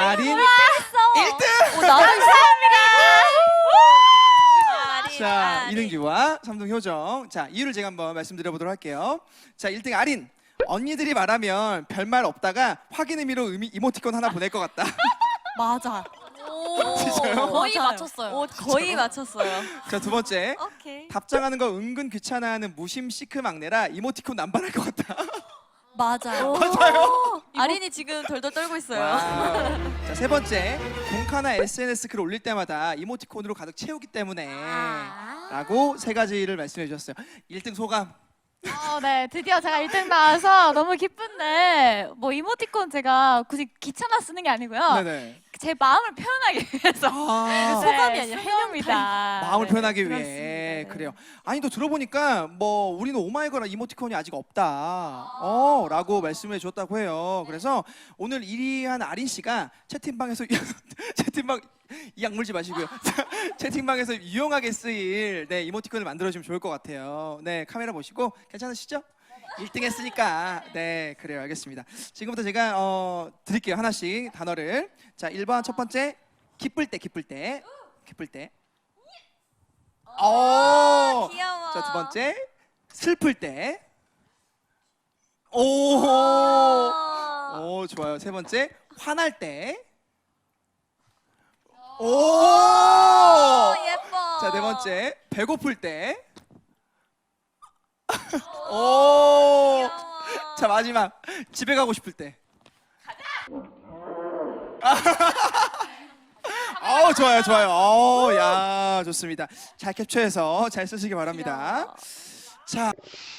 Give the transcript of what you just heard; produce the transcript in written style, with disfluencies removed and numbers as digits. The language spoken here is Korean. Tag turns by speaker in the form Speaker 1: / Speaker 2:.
Speaker 1: 아린
Speaker 2: 했어.
Speaker 1: 1등!
Speaker 2: 나도 감사합니다.
Speaker 1: 자, 2등 규와 3등 효정. 자, 이유를 제가 한번 말씀드려보도록 할게요. 자, 1등 아린. 언니들이 말하면 별말 없다가 확인 의미로 이모티콘 하나 보낼 것 같다.
Speaker 2: 맞아.
Speaker 1: 진짜요?
Speaker 2: 거의
Speaker 3: 맞아요.
Speaker 2: 맞췄어요. 거의 맞췄어요.
Speaker 1: 자, 두 번째.
Speaker 2: 오케이.
Speaker 1: 답장하는 거 은근 귀찮아하는 무심 시크 막내라 이모티콘 남발할 것 같다.
Speaker 2: 맞아요.
Speaker 1: 맞아요?
Speaker 2: 아린이 지금 덜덜 떨고 있어요.
Speaker 1: 와우. 자, 세 번째. 공카나 SNS 글 올릴 때마다 이모티콘으로 가득 채우기 때문에 라고 세 가지를 말씀해 주셨어요. 1등 소감.
Speaker 3: 네, 드디어 제가 1등 나와서 너무 기쁜데 뭐 이모티콘 제가 굳이 귀찮아 쓰는 게 아니고요.
Speaker 1: 네네.
Speaker 3: 제 마음을 표현하기 위해서.
Speaker 1: 아,
Speaker 2: 소감이 아니라
Speaker 3: 소감입니다.
Speaker 1: 마음을
Speaker 3: 네,
Speaker 1: 표현하기
Speaker 3: 그렇습니다.
Speaker 1: 위해.
Speaker 3: 네.
Speaker 1: 그래요. 아니 또 들어보니까 뭐 우리는 오마이걸이나 이모티콘이 아직 없다. 라고 말씀해 주셨다고 해요. 그래서 오늘 1위 한 아린 씨가 채팅방에서 채팅방 이 약물지 마시고요. 채팅방에서 유용하게 쓰일 네, 이모티콘을 만들어 주면 좋을 것 같아요. 네, 카메라 보시고 괜찮으시죠? 1등 했으니까. 네, 그래요. 알겠습니다. 지금부터 제가 드릴게요. 하나씩 단어를. 자, 1번 첫 번째. 기쁠 때, 기쁠 때. 기쁠 때.
Speaker 2: 귀여워.
Speaker 1: 자, 두 번째. 슬플 때. 오, 좋아요. 세 번째. 화날 때. 오!
Speaker 2: 예뻐.
Speaker 1: 자, 네 번째. 배고플 때. 오! 자, 마지막. 집에 가고 싶을 때. 좋아요, 좋아요. 야, 좋습니다. 잘 캡처해서 잘 쓰시기 바랍니다. 자.